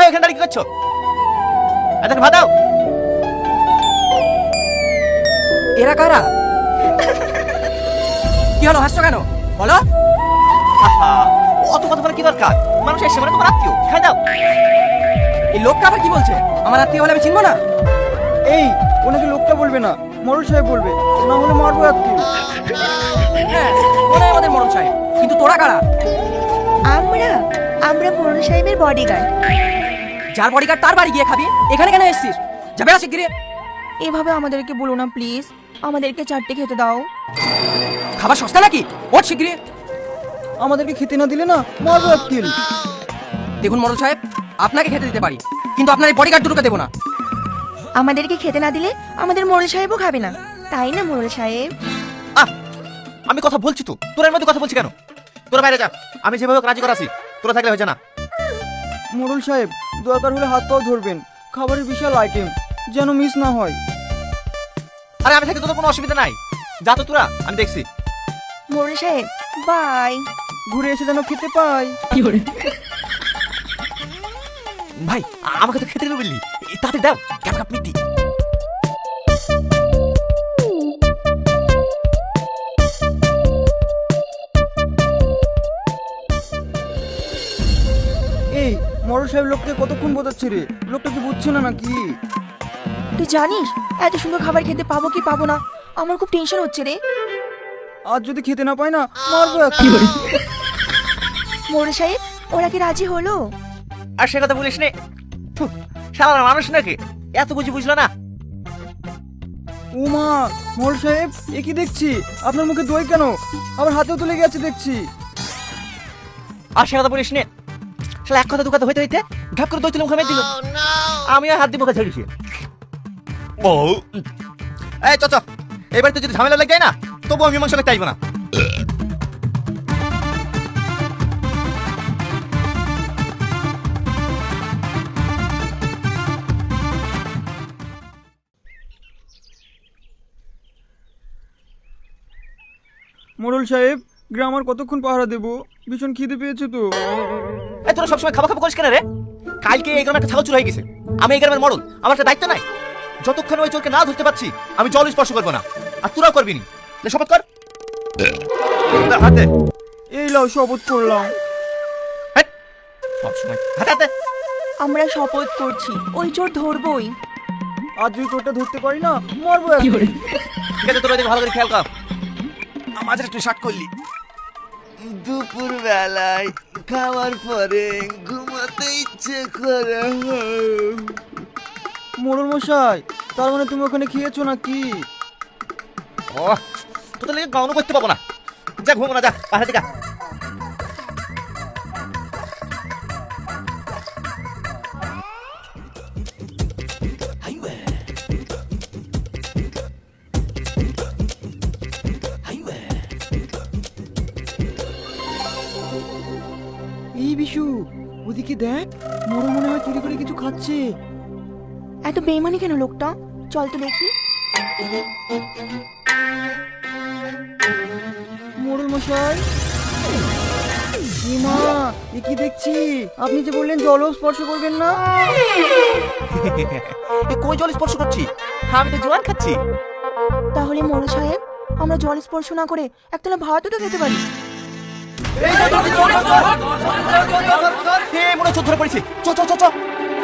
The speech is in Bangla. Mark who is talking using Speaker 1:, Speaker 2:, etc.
Speaker 1: এখানে দাঁড়িয়ে কি করছো? এদেরকে ভাত দাও।
Speaker 2: এরা কারা? কি হলো, হাসছো কেন বলো?
Speaker 1: আহা, অত কথা বলে কি দরকার? মানুষ এসে মানে তোমার আত্মীয়, খাই দাও।
Speaker 2: এই লোকটা আবার কি বলছে? আমার আত্মীয় হলে আমি চিনবো না?
Speaker 3: এই ওনাকে লোকটা বলবে না, মরল সাহেব বলবে, না হলে মারবো আজকে।
Speaker 2: হ্যাঁ, ওরাই আমাদের মরণ সাহেব, কিন্তু তোরা কারা?
Speaker 4: আমরা মোড়ল সাহেবের বডিগার্ড।
Speaker 2: যার বডিগার্ড তার বাড়ি গিয়ে খাবি, এখানে কেন এসেছিস? যাবে না শিগগিরি।
Speaker 4: এভাবে আমাদেরকে বলো না প্লিজ, আমাদেরকে চারটে খেতে দাও।
Speaker 2: খাবার সস্তা নাকি? ওঠ শিগগিরি।
Speaker 3: আমাদেরকে খেতে না দিলে না মারবো আজকে।
Speaker 2: দেখুন মরণ সাহেব, আপনাকে খেতে দিতে পারি, কিন্তু আপনার এই বডিগার্ড দুটোকে দেবো না।
Speaker 4: আমাদেরকে খেতে না দিলে আমাদের মোড়ল সাহেবও খাবে না, তাই না মোড়ল সাহেব?
Speaker 1: আহ, আমি কথা বলছি তো, তোরা এর মধ্যে কথা বলছি কেন? তোরা বাইরে যা, আমি যেভাবে রাজি করাছি, তোরা থাকলে হয়ে যা না।
Speaker 3: মোড়ল সাহেব দরকার হলে হাত পাও ধরবেন, খাবারের বিশাল আইটেম, যেন মিস না হয়।
Speaker 1: আরে আমি থাকি, তোদের কোনো অসুবিধা নাই। যা তো তোরা, আমি দেখছি।
Speaker 4: মোড়ল সাহেব বাই।
Speaker 3: ঘুরে এসে যেন খেতে পাই।
Speaker 1: ভাই আমাকে তো খেতে দিল বললি, তাতে দাও এক কাপ মিটি।
Speaker 3: এই মোড়ল সাহেব লোককে কতক্ষণ বোঝাচ্ছে রে, লোকটা কি বুঝছে না নাকি?
Speaker 4: তুই জানিস এত সুন্দর খাবার খেতে পাবো কি পাবো না? আমার খুব টেনশন হচ্ছে রে।
Speaker 3: আজ যদি খেতে না পাই না মারবো আজকে।
Speaker 4: মোড়ল সাহেব ওরা কি রাজি হলো?
Speaker 1: আর সে কথা বলিস নে, সারা মানুষ নাকি এত বুঝলো না।
Speaker 3: ও মা, মোড়ল সাহেব এ কি দেখছি? আপনার মুখে দই কেন? আবার হাতেও তুলে গেছে দেখছি।
Speaker 1: আর সে কথা বলিস নে, শালা এক কথা দু কথা হইতে হইতে ঢাক করে দই তুলে মুখে মেরে দিল। আমি আর হাত দিয়ে মুখে ছেড়েছি। ও এই চ, এবার তো যদি ঝামেলা লেগে যায় না, তবু আমি মীমাংসা করতে চাইবো না।
Speaker 3: মোড়ল সাহেব গ্রাম আর কতক্ষণ পাহারা দেবো? ভীষণ খিদে পেয়েছে তো।
Speaker 1: এই তোরা সবসময় খাওয়া খাওয়া করিস কেন রে? কালকে এই গ্রামে একটা ছাগল চুরি হয়ে গেছে, আমি এই গ্রামের মরল, আমার একটা দায়িত্ব নাই? যতক্ষণ ওই চোরকে না ধরতে পারছি আমি জল স্পর্শ করবো না, আর তোরাও করবি নি। লে, শপথ কর। হাতে
Speaker 3: এই লাও শপথ করলাম।
Speaker 1: সবসময় হাতে হাতে।
Speaker 4: আমরা শপথ করছি ওই চোর ধরবই।
Speaker 3: আজ যদি তোরটা ধরতে পারি না মারবো আজকে।
Speaker 1: ঠিক আছে, তোরা এদিকে ভালো করে খেয়াল কর। আমাদের একটু শার্ট করলি।
Speaker 5: দুপুর বেলায় খাওয়ার পরে ঘুমাতে ইচ্ছে করে।
Speaker 3: মোড়ল মশাই তার মানে তুমি ওখানে খেয়েছো নাকি?
Speaker 1: ও তোদের লেগে গাউনও করতে পাবো না। যা ঘুমো না, যা পাহাড়ে দিকা।
Speaker 3: এই বিশু ওদিকে দেখ, মোড়ল মনে হয় চুরি করে কিছু খাচ্ছে।
Speaker 4: এত বেইমানি কেন লোকটা? চল তো দেখি।
Speaker 3: মোড়ল মশাই মা, এ কি দেখছি? আপনি যে বললেন জলও স্পর্শ করবেন না।
Speaker 1: এ কই জল স্পর্শ করছি? আমি তো জোয়ান খাচ্ছি।
Speaker 4: তাহলে মোড়ল সাহেব আমরা জল স্পর্শ না করে একতলা ভাতও তো খেতে পারি।
Speaker 1: এই মনে চোর ধরে পড়েছে। চ চ চ চ।